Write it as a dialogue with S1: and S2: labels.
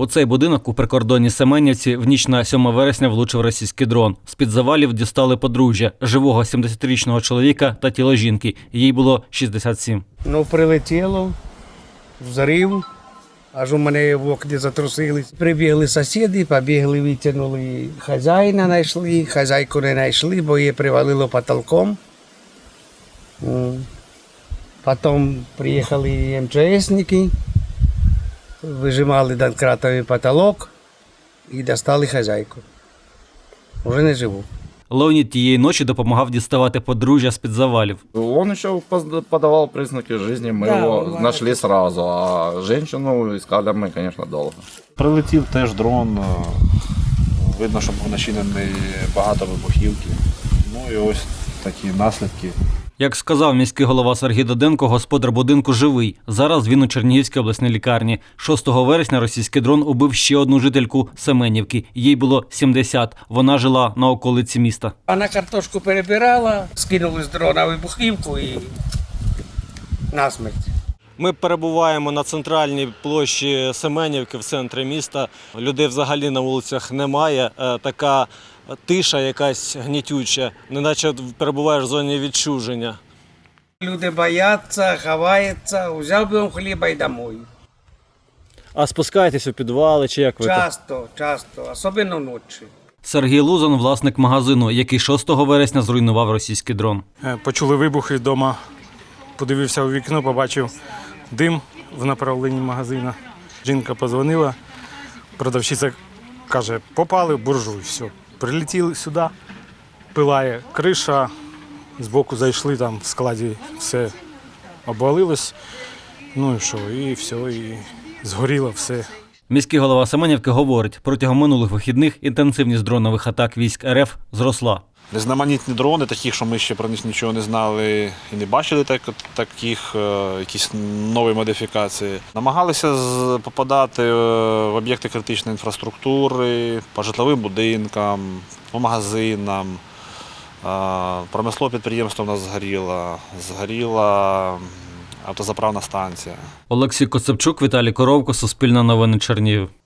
S1: У цей будинок у прикордонній Семенівці в ніч на 7 вересня влучив російський дрон. З-під завалів дістали подружжя – живого 70-річного чоловіка та тіло жінки. Їй було 67.
S2: Прилетіло, взрив, аж у мене в окні затрусились. Прибігли сусіди, побігли, витягнули хазяїна, знайшли, хазяйку не знайшли, бо її привалило потолком. Потім приїхали МЧСники, вижимали домкратовий потолок і достали хазяйку. Уже не живу.
S1: Леонід тієї ночі допомагав діставати подружжя з-під завалів.
S3: Он еще подавал признаки жизни, мы его нашли сразу, а женщину искали мы, конечно, долго.
S4: Прилетів теж дрон, видно, що був начинений багато вибухівки. Ну і ось такі наслідки.
S1: Як сказав міський голова Сергій Доденко, господар будинку живий. Зараз він у Чернігівській обласній лікарні. 6 вересня російський дрон убив ще одну жительку Семенівки. Їй було 70. Вона жила на околиці міста.
S2: Вона картошку перебирала, скинули з дрона вибухівку і насмерть.
S5: Ми перебуваємо на центральній площі Семенівки в центрі міста. Людей взагалі на вулицях немає. Така тиша якась гнітюча, неначе перебуваєш в зоні відчуження.
S2: Люди бояться, ховаються, взяв би вам хліба і домой.
S5: А спускаєтесь у підвали чи як ви?
S2: Часто, особливо ночі.
S1: Сергій Лузан – власник магазину, який 6 вересня зруйнував російський дрон.
S6: Почули вибухи вдома, подивився у вікно, побачив дим в направленні магазину. Жінка подзвонила, продавщиця каже, попали в буржуй, все. Прилетіли сюди, пилає криша, збоку зайшли, там в складі все обвалилось, ну і що, і все, і згоріло все.
S1: Міський голова Семенівки говорить, протягом минулих вихідних інтенсивність дронових атак військ РФ зросла.
S4: Різноманітні дрони, таких, що ми ще про них нічого не знали і не бачили таких, якісь нові модифікації. Намагалися попадати в об'єкти критичної інфраструктури, по житловим будинкам, по магазинам. Промислове підприємство у нас згоріла автозаправна станція.
S1: Олексій Коцепчук, Віталій Коровко, Суспільне новини, Чернігів.